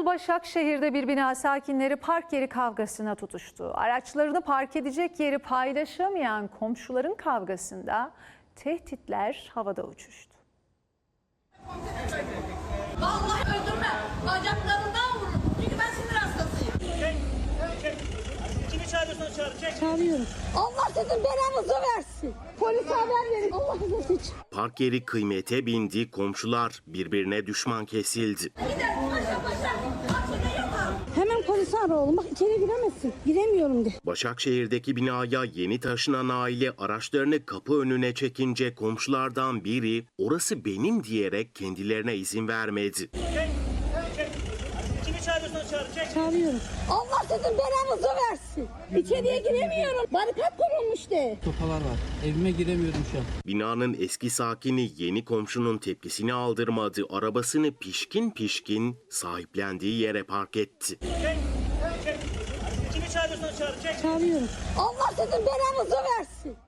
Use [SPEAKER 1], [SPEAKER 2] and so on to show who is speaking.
[SPEAKER 1] Başakşehir'de bir bina sakinleri park yeri kavgasına tutuştu. Araçlarını park edecek yeri paylaşamayan komşuların kavgasında tehditler havada uçuştu.
[SPEAKER 2] Vallahi öldürme. Bacaklarından vururum. Çünkü ben sinir hastasıyım.
[SPEAKER 3] Kimi çağırıyorsan çağır.
[SPEAKER 2] Çağırıyorum. Allah sizin belanızı versin. Polise haber verin. Allah rızası için.
[SPEAKER 4] Park yeri kıymete bindi, komşular birbirine düşman kesildi.
[SPEAKER 2] Gidelim paşa paşa. Aksine yapar. Hemen polisi ara oğlum. Bak içeri giremezsin. Giremiyorum de.
[SPEAKER 4] Başakşehir'deki binaya yeni taşınan aile araçlarını kapı önüne çekince komşulardan biri orası benim diyerek kendilerine izin vermedi.
[SPEAKER 3] Kimi çağırıyorsan çağır.
[SPEAKER 2] Çağırıyorum. Allah sizin belanızı versin. İçeriye giremiyorum. Barikat kurulmuş de.
[SPEAKER 5] Sopalar var. Evime giremiyorum şu an.
[SPEAKER 4] Binanın eski sakini yeni komşunun tepkisini aldırmadı. Arabasını pişkin pişkin sahiplendiği yere park etti.
[SPEAKER 3] Kimi çağırıyorsan çağır.
[SPEAKER 2] Çağırıyorum. Allah sizin belanızı versin.